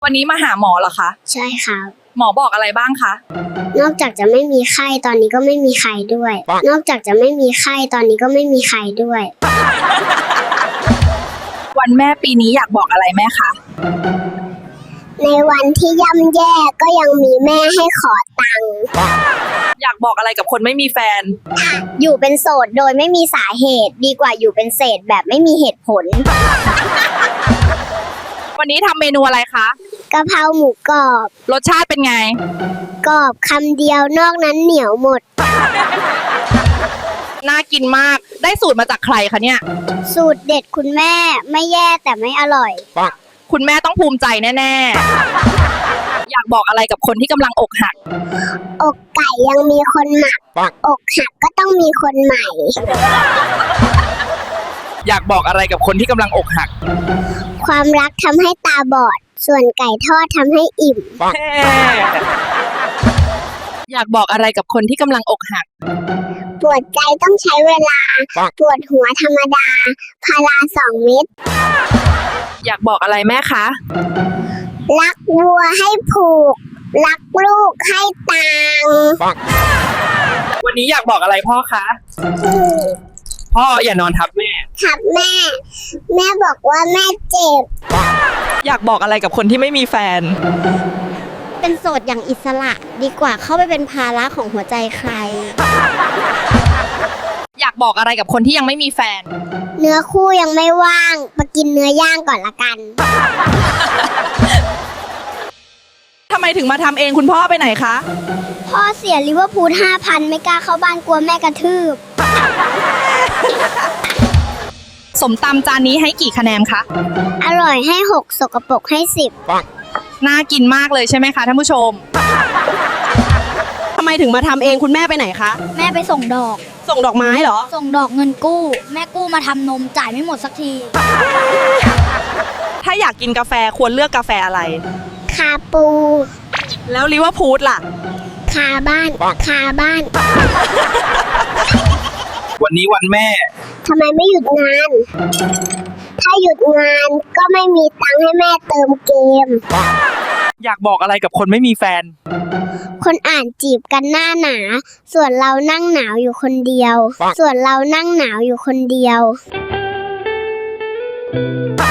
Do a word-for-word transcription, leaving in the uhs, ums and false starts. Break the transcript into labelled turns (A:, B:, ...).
A: วันนี้มาหาหมอเหรอคะ
B: ใช่ครับ
A: หมอบอกอะไรบ้างคะ
B: นอกจากจะไม่มีไข้ตอนนี้ก็ไม่มีใครด้วยนอกจากจะไม่มีไข้ตอนนี้ก็ไม่มีใครด้วย
A: วันแม่ปีนี้อยากบอกอะไรแม่คะ
B: ในวันที่ย่ำแย่ก็ยังมีแม่ให้ขอตังค์
A: อยากบอกอะไรกับคนไม่มีแฟน
B: อยู่เป็นโสดโดยไม่มีสาเหตุดีกว่าอยู่เป็นเศษแบบไม่มีเหตุผล
A: วันนี้ทำเมนูอะไรคะ
B: กะเพราหมูกรอบ
A: รสชาติเป็นไง
B: กรอบคำเดียวนอกนั้นเหนียวหมด
A: น่ากินมากได้สูตรมาจากใครคะเนี่ย
B: สูตรเด็ดคุณแม่ไม่แย่แต่ไม่อร่อย
A: คุณแม่ต้องภูมิใจแน่ๆอยากบอกอะไรกับคนที่กำลังอกหัก
B: อกไก่ยังมีคนหมักอกหักก็ต้องมีคนใหม่
A: อยากบอกอะไรกับคนที่กำลังอกหัก
B: ความรักทำให้ตาบอดส่วนไก่ทอดทำให้อิ่ม
A: อยากบอกอะไรกับคนที่กำลังอกหัก
B: ปวดใจต้องใช้เวลาปวดหัวธรรมดาพาราสองเม็ด
A: อยากบอกอะไรแม่คะ
B: รักวัวให้ผูกรักลูกให้ตัง
A: วันนี้อยากบอกอะไรพ่อคะพ่ออย่านอนทับแม่
B: ทับแม่แม่บอกว่าแม่เจ็บ
A: อยากบอกอะไรกับคนที่ไม่มีแฟน
B: เป็นโสดอย่างอิสระดีกว่าเข้าไปเป็นภาระของหัวใจใคร
A: อยากบอกอะไรกับคนที่ยังไม่มีแฟน
B: เนื้อคู่ยังไม่ว่างมากินเนื้อย่างก่อนละกัน
A: ทำไมถึงมาทำเองคุณพ่อไปไหนคะ
B: พ่อเสียลิเวอร์พูลห้าพันไม่กล้าเข้าบ้านกลัวแม่กระทืบ
A: สมตำจานนี้ให้กี่คะแนนคะ
B: อร่อยให้หกสกปรกให้สิบ
A: น่ากินมากเลยใช่ไหมคะท่านผู้ชมทำไมถึงมาทำเองคุณแม่ไปไหนคะ
B: แม่ไปส่งดอก
A: ส่งดอกไม้เหรอ
B: ส่งดอกเงินกู้แม่กู้มาทำนมจ่ายไม่หมดสักที
A: ถ้าอยากกินกาแฟควรเลือกกาแฟอะไร
B: คาปู
A: แล้วลิเวอร์พูลล่ะ
B: คาบ้านคาบ้าน
A: วันนี้วันแม่
B: ทำไมไม่หยุดงานถ้าหยุดงานก็ไม่มีตังค์ให้แม่เติมเกม
A: อยากบอกอะไรกับคนไม่มีแฟน
B: คนอ่านจีบกันหน้าหนาส่วนเรานั่งหนาวอยู่คนเดียวส่วนเรานั่งหนาวอยู่คนเดียว